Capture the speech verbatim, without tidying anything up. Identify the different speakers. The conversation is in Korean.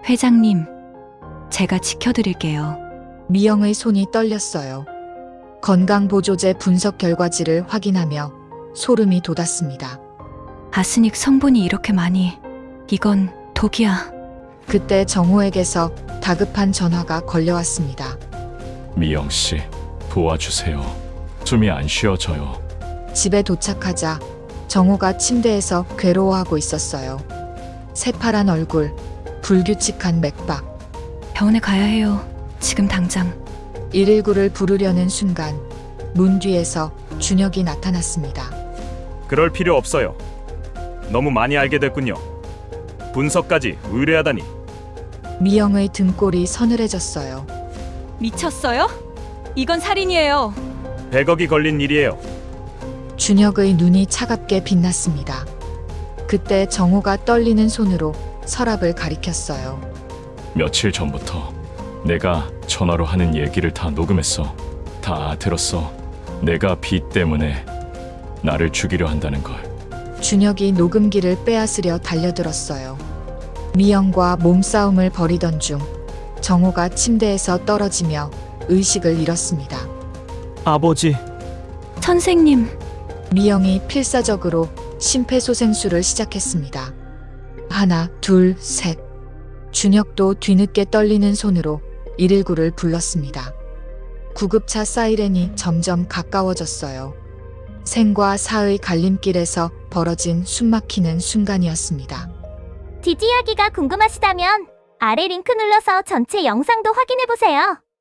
Speaker 1: 회장님, 제가 지켜드릴게요.
Speaker 2: 미영의 손이 떨렸어요. 건강보조제 분석 결과지를 확인하며 소름이 돋았습니다.
Speaker 1: 아스닉 성분이 이렇게 많이. 이건 독이야.
Speaker 2: 그때 정호에게서 다급한 전화가 걸려왔습니다.
Speaker 3: 미영 씨, 도와주세요. 숨이 안 쉬어져요.
Speaker 2: 집에 도착하자 정호가 침대에서 괴로워하고 있었어요. 새파란 얼굴, 불규칙한 맥박.
Speaker 1: 병원에 가야 해요. 지금 당장.
Speaker 2: 일일구를 부르려는 순간 문 뒤에서 준혁이 나타났습니다.
Speaker 4: 그럴 필요 없어요. 너무 많이 알게 됐군요. 분석까지 의뢰하다니.
Speaker 2: 미영의 등골이 서늘해졌어요.
Speaker 1: 미쳤어요? 이건 살인이에요.
Speaker 4: 백억이 걸린 일이에요.
Speaker 2: 준혁의 눈이 차갑게 빛났습니다. 그때 정호가 떨리는 손으로 서랍을 가리켰어요.
Speaker 3: 며칠 전부터 내가 전화로 하는 얘기를 다 녹음했어. 다 들었어. 내가 비 때문에 나를 죽이려 한다는 걸.
Speaker 2: 준혁이 녹음기를 빼앗으려 달려들었어요. 미영과 몸싸움을 벌이던 중 정호가 침대에서 떨어지며 의식을 잃었습니다.
Speaker 5: 아버지,
Speaker 1: 선생님,
Speaker 2: 미영이 필사적으로 심폐소생술을 시작했습니다. 하나, 둘, 셋. 준혁도 뒤늦게 떨리는 손으로 일일구를 불렀습니다. 구급차 사이렌이 점점 가까워졌어요. 생과 사의 갈림길에서 벌어진 숨막히는 순간이었습니다.
Speaker 6: 뒷이야기가 궁금하시다면 아래 링크 눌러서 전체 영상도 확인해보세요.